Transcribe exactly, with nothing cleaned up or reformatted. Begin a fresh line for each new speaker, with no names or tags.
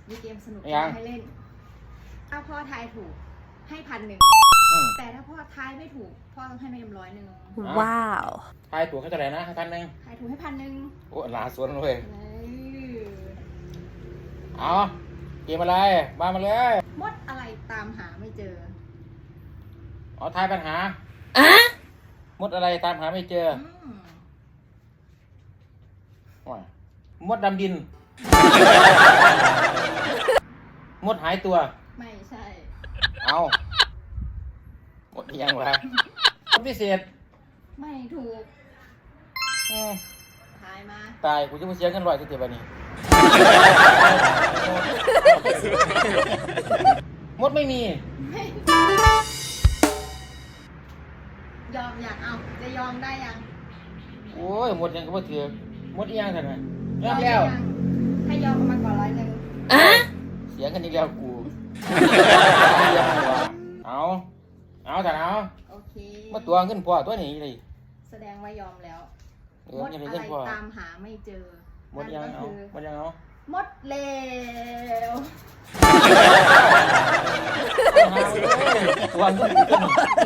มีเกมสนุก
ยัง
ให้เล่น ถ้าพ่อทายถูกให้พันหนึ่ง
อืม
แต่ถ้าพ่อทายไม่ถูกพ่อต้องให้แม่เอ็มร้อยหนึ่ง
ว้าว
ทายตัวเขาเท่าไหร่นะพันหนึ่ง
ทายถูกให้พันหนึ่ง
โอ้หลาสวนเลย
เอ้ย
เอาเกมอะไรมามาเลย
มดอะไรตามหาไม่เจอ
เอาทายปัญหา
อะ
มดอะไรตามหาไม่เจอ
อืม
ว่ามดดำดิน มดหายตัว
ไม่ใช่
เอามดอีหยังวะมดพิเศษ
ไม่ถูก
อืม
ทายมา
ตายกูจะมาเสียเงินร้อยสิเดียวนี้ มดไม่มี
ไม่ยอมอยากเอาจะยอมได้ยัง
โอ้ยมดยังก็บ่ถือมดอีหยังท่านน่ะยอมแล้ว
ได้ยังถ้ายอมเอามาก่อนร้อยหนึ่ง
อะ
เสียกันอีกแล้วกู เอาเอาแต่เอา
โอเค
มาตัวเงินพ่อตัวนี้เลย
แสดงว่ายอมแล้ว
เอ
ม
อ
ด
ยัง
อะ
ได้
ไร
เงินพ่อ
ตามหาไม่เจอ
มดยัง
นั่น
เอา
ก็คือ
มดยังเอา
มดเลว
เอาหาเลยตัวเงินกูตัวนี้